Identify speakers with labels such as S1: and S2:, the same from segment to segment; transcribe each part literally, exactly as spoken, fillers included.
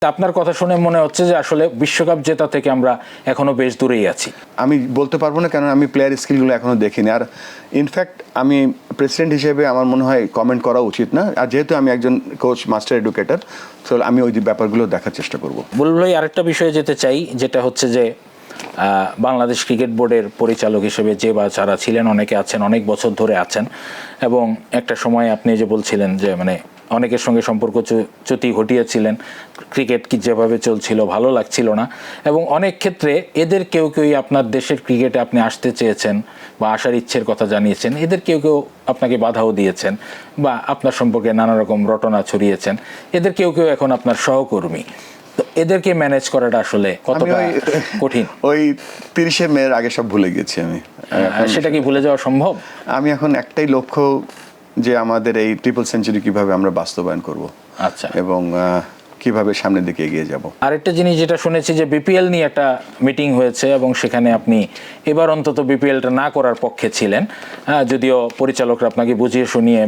S1: আপনার কথা শুনে মনে হচ্ছে যে আসলে বিশ্বকাপ জেতা থেকে আমরা এখনো বেশ দূরেই আছি।
S2: আমি বলতে পারবো না, কারণ আমি প্লেয়ার স্কিলগুলো এখনো দেখিনি। আর ইনফ্যাক্ট আমি প্রেসিডেন্ট হিসেবে আমার মনে হয় কমেন্ট করা উচিত না। আর যেহেতু আমি একজন কোচ, মাস্টার এডুকেটর, তো আমি ওই ব্যাপারগুলো দেখার চেষ্টা করব।
S1: বুলবুল ভাই, আরেকটা বিষয়ে যেতে চাই, যেটা হচ্ছে যে বাংলাদেশ ক্রিকেট বোর্ডের পরিচালক হিসেবে যে বা যারা ছিলেন, অনেকে আছেন অনেক বছর ধরে আছেন, এবং একটা সময় আপনি যে বলছিলেন যে মানে অনেকের সঙ্গে সম্পর্ক চ্যুতি ঘটিয়েছিলেন, ক্রিকেট কি যেভাবে চলছিল ভালো লাগছিল না, এবং অনেক ক্ষেত্রে এদের কেউ কেউই আপনার দেশের ক্রিকেটে আপনি আসতে চেয়েছেন বা আসার ইচ্ছের কথা জানিয়েছেন, এদের কেউ কেউ আপনাকে বাধাও দিয়েছেন বা আপনার সম্পর্কে নানা রকম রটনা ছড়িয়েছেন, এদের কেউ কেউ এখন আপনার সহকর্মী। তো এদেরকে ম্যানেজ করাটা আসলে কতটা কঠিন?
S2: ওই তিরিশে মের আগে সব ভুলে গেছি আমি।
S1: সেটা কি ভুলে যাওয়া সম্ভব?
S2: আমি এখন একটাই লক্ষ্য, যে আমাদের এই ট্রিপল সেঞ্চুরি কিভাবে আমরা বাস্তবায়ন করব,
S1: আচ্ছা, এবং
S2: কিভাবে সামনের দিকে এগিয়ে যাব।
S1: আরেকটা জিনিস যেটা শুনেছি যে বিপিএল নিয়ে একটা মিটিং হয়েছে এবং সেখানে আপনি এবার অন্তত বিপিএলটা না করার পক্ষে ছিলেন, যদিও পরিচালকরা আপনাকে বুঝিয়ে শুনিয়ে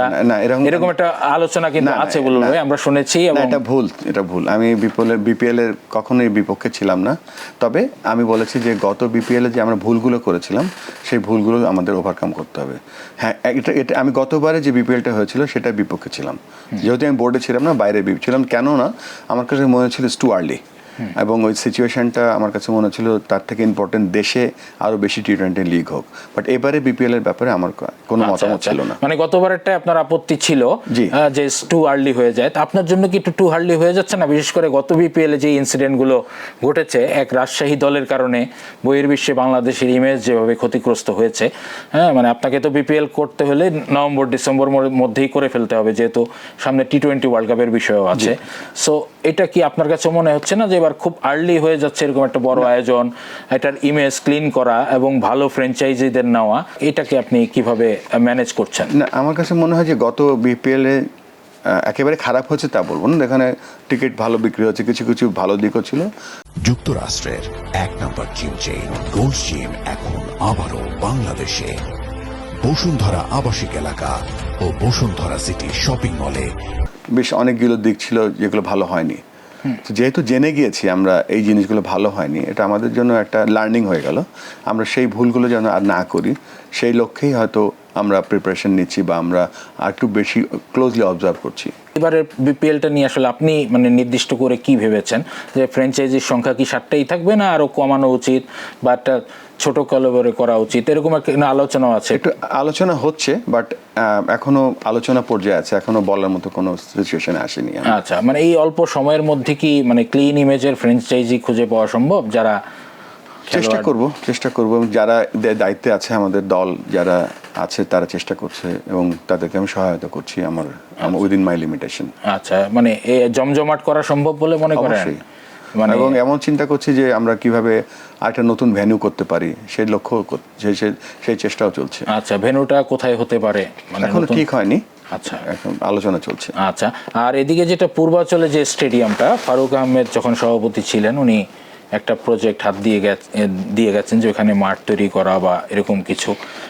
S1: এরকম একটা আলোচনা কিন্তু আছে বলে আমরা শুনেছি।
S2: এটা ভুল, এটা ভুল। আমি বিপিএল বিপিএল এর কখনোই বিপক্ষে ছিলাম না। তবে আমি বলেছি যে গত বিপিএল এ যে আমরা ভুলগুলো করেছিলাম, সেই ভুলগুলো আমাদের ওভারকাম করতে হবে। হ্যাঁ, এটা এটা আমি গতবারে যে বিপিএলটা হয়েছিল সেটার বিপক্ষে ছিলাম, যেহেতু আমি বোর্ডে ছিলাম না, বাইরে ছিলাম। কেন না, আমার কাছে মনে হচ্ছিল টু আর্লি, এবং ওই সিচুয়েশনটা আমার কাছে মনে হচ্ছিল তার থেকে ইম্পর্টেন্ট দেশে আরো বেশি টি টোয়েন্টি লিগ হোক। বাট এবারে বিপিএল এর ব্যাপারে আমার কোনো মতামত ছিল না।
S1: মানে গতবারেরটা আপনার আপত্তি ছিল যে টু আর্লি হয়ে যায়, আপনার জন্য কি একটু টু আর্লি হয়ে যাচ্ছে না? বিশেষ করে গত বিপিএল এ যে ইনসিডেন্ট গুলো ঘটেছে, এক রাজশাহী দলের কারণে বহির্বিশ্বে বাংলাদেশের ইমেজ যেভাবে ক্ষতিগ্রস্ত হয়েছে, হ্যাঁ, মানে আপনাকে তো বিপিএল করতে হলে নভেম্বর ডিসেম্বর মধ্যেই করে ফেলতে হবে, যেহেতু সামনে টি টোয়েন্টি ওয়ার্ল্ড কাপের বিষয়ও আছে। সো এটা কি আপনার কাছে মনে হচ্ছে না যে এবার খুব আর্লি হয়ে যাচ্ছে এরকম একটা বড় আয়োজন, এটার ইমেজ ক্লিন করা এবং ভালো ফ্র্যাঞ্চাইজিদের নেওয়া, এটাকে আপনি কিভাবে ম্যানেজ করছেন?
S2: না, আমার কাছে মনে হয় যে গত বিপিএল এ একেবারে খারাপ হচ্ছে তা বলবো না। এখানে টিকিট ভালো বিক্রি হচ্ছে, কিছু কিছু ভালো দিকও ছিল।
S3: যুক্তরাষ্ট্রের এক নম্বর জিম চেইন গোল্ড জিম এখন আবারও বাংলাদেশে বসুন্ধরা আবাসিক এলাকা ও বসুন্ধরা সিটি শপিং মলে।
S2: বেশ অনেকগুলো দিক ছিল যেগুলো ভালো হয়নি। যেহেতু জেনে গিয়েছি আমরা এই জিনিসগুলো ভালো হয়নি, এটা আমাদের জন্য একটা লার্নিং হয়ে গেল। আমরা সেই ভুলগুলো যেন আর না করি, সেই লক্ষ্যেই হয়তো আমরা প্রিপারেশন নিচ্ছি বা আমরা আর একটু বেশি ক্লোজলি অবজার্ভ করছি।
S1: এবারে বিপিএলটা নিয়ে আসলে আপনি মানে নির্দিষ্ট করে কি ভেবেছেন, যে ফ্র্যাঞ্চাইজির সংখ্যা কি সাতটাই থাকবে না আরো কমানো উচিত বা একটা ছোট কলেবরে করা উচিত, এরকম একটা আলোচনা আছে?
S2: একটু আলোচনা হচ্ছে, বাট এখনো আলোচনা পর্যায়ে আছে, এখনো বলার মতো কোনো সিচুয়েশনে আসেনি।
S1: আচ্ছা, মানে এই অল্প সময়ের মধ্যে কি মানে ক্লিন ইমেজের ফ্র্যাঞ্চাইজি খুঁজে পাওয়া সম্ভব? যারা
S2: চেষ্টা করব চেষ্টা করব যারা দায়িত্বে আছে আমাদের দল যারা আছে তারা চেষ্টা করছে এবং তাদেরকে আমি সহায়তা করছি আমার উইদিন মাই লিমিটেশন।
S1: আচ্ছা, মানে জমজমাট করা সম্ভব বলে মনে করেন?
S2: মানে এবং এমন চিন্তা করছি যে আমরা কিভাবে একটা নতুন ভেন্যু করতে পারি, সেই লক্ষ্য সেই চেষ্টাও চলছে।
S1: আচ্ছা, ভেন্যুটা কোথায় হতে পারে মানে
S2: এখনো ঠিক হয়নি।
S1: আচ্ছা,
S2: এখন আলোচনা চলছে।
S1: আচ্ছা, আর এদিকে যেটা পূর্বাচলে যে স্টেডিয়ামটা, ফারুক আহমেদ যখন সভাপতি ছিলেন উনি একটা প্রজেক্ট হাত দিয়ে দিয়ে গেছেন যে ওখানে মাঠ তৈরি করা বা এরকম কিছু,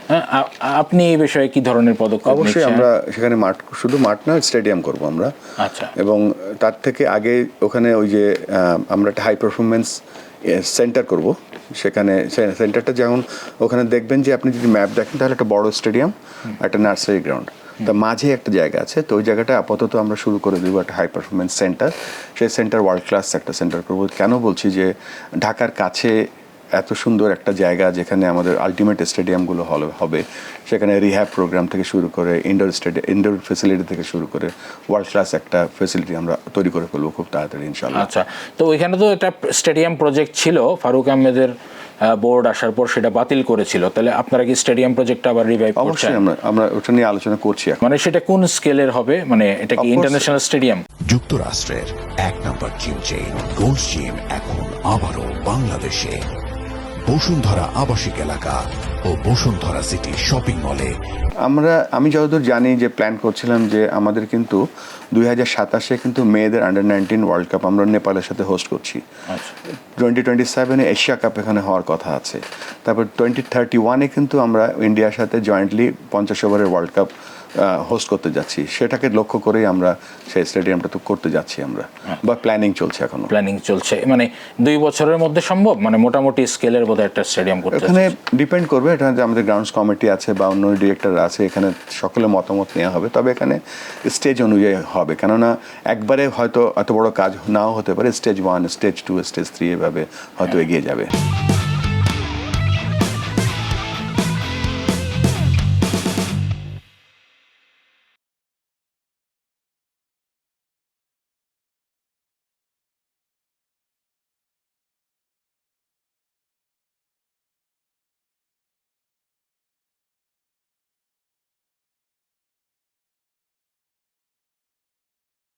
S1: আপনি এই বিষয়ে কি ধরনের পদক্ষেপ?
S2: অবশ্যই আমরা সেখানে মাঠ, শুধু মাঠ না, স্টেডিয়াম করব আমরা।
S1: আচ্ছা,
S2: এবং তার থেকে আগে ওখানে ওই যে আমরা একটা হাই পারফরমেন্স সেন্টার করব। সেখানে সেন্টারটা যেমন ওখানে দেখবেন যে আপনি যদি ম্যাপ দেখেন তাহলে একটা বড় স্টেডিয়াম, একটা নার্সারি গ্রাউন্ড, তার মাঝে একটা জায়গা আছে। তো ওই জায়গাটা আপাতত আমরা শুরু করে দেবো একটা হাই পারফরমেন্স সেন্টার। সেই সেন্টার ওয়ার্ল্ড ক্লাস একটা সেন্টার করবো। কেন বলছি যে ঢাকার কাছে এত সুন্দর একটা জায়গা যেখানে আমাদের আলটিমেট স্টেডিয়ামগুলো হবে, সেখানে রিহ্যাব প্রোগ্রাম থেকে শুরু করে ইনডোর স্টেডিয়াম, ইনডোর ফেসিলিটি থেকে শুরু করে ওয়ার্ল্ড ক্লাস একটা ফেসিলিটি আমরা তৈরি করে ফেলবো খুব তাড়াতাড়ি ইনশাআল্লাহ।
S1: আচ্ছা, তো ওইখানে তো একটা স্টেডিয়াম প্রজেক্ট ছিল, ফারুক আহমেদের বোর্ড আসার পর সেটা বাতিল করেছিল, তাহলে আপনারা কি স্টেডিয়াম প্রজেক্টটা আবার রিভাইভ করছেন?
S2: অবশ্যই আমরা আমরা ওটা নিয়ে আলোচনা করছি।
S1: মানে সেটা কোন স্কেলের হবে, মানে এটা কি ইন্টারন্যাশনাল স্টেডিয়াম?
S3: যুক্তরাষ্ট্রের এক নম্বর জিম চেইন গোল্ড জিম এখন আবারও বাংলাদেশে বসুন্ধরা আবাসিক এলাকা ও বসুন্ধরা সিটি শপিং মলে।
S2: আমরা আমি যতদূর জানি যে প্ল্যান করছিলাম যে আমাদের কিন্তু দুই হাজার সাতাশে কিন্তু মেয়েদের আন্ডার নাইনটিন ওয়ার্ল্ড কাপ আমরা নেপালের সাথে হোস্ট করছি। টোয়েন্টি টোয়েন্টি সেভেনে এশিয়া কাপ এখানে হওয়ার কথা আছে। তারপর টোয়েন্টি থার্টি ওয়ানে কিন্তু আমরা ইন্ডিয়ার সাথে জয়েন্টলি পঞ্চাশ ওভারের ওয়ার্ল্ড কাপ হোস্ট করতে যাচ্ছি, সেটাকে লক্ষ্য করেই আমরা সেই স্টেডিয়ামটা তো করতে যাচ্ছি আমরা, বা প্ল্যানিং চলছে এখনো।
S1: প্ল্যানিং চলছে, মানে দুই বছরের মধ্যে সম্ভব, মানে মোটামুটি স্কেলের বোধহয় একটা স্টেডিয়াম করতে
S2: এখানে ডিপেন্ড করবে, এটা যে আমাদের গ্রাউন্ডস কমিটি আছে বা অন্য ডিরেক্টর আছে, এখানে সকলের মতামত নেওয়া হবে। তবে এখানে স্টেজ অনুযায়ী হবে, কেননা একবারে হয়তো এত বড় কাজ নাও হতে পারে, stage one, stage two, stage three এভাবে হয়তো এগিয়ে যাবে।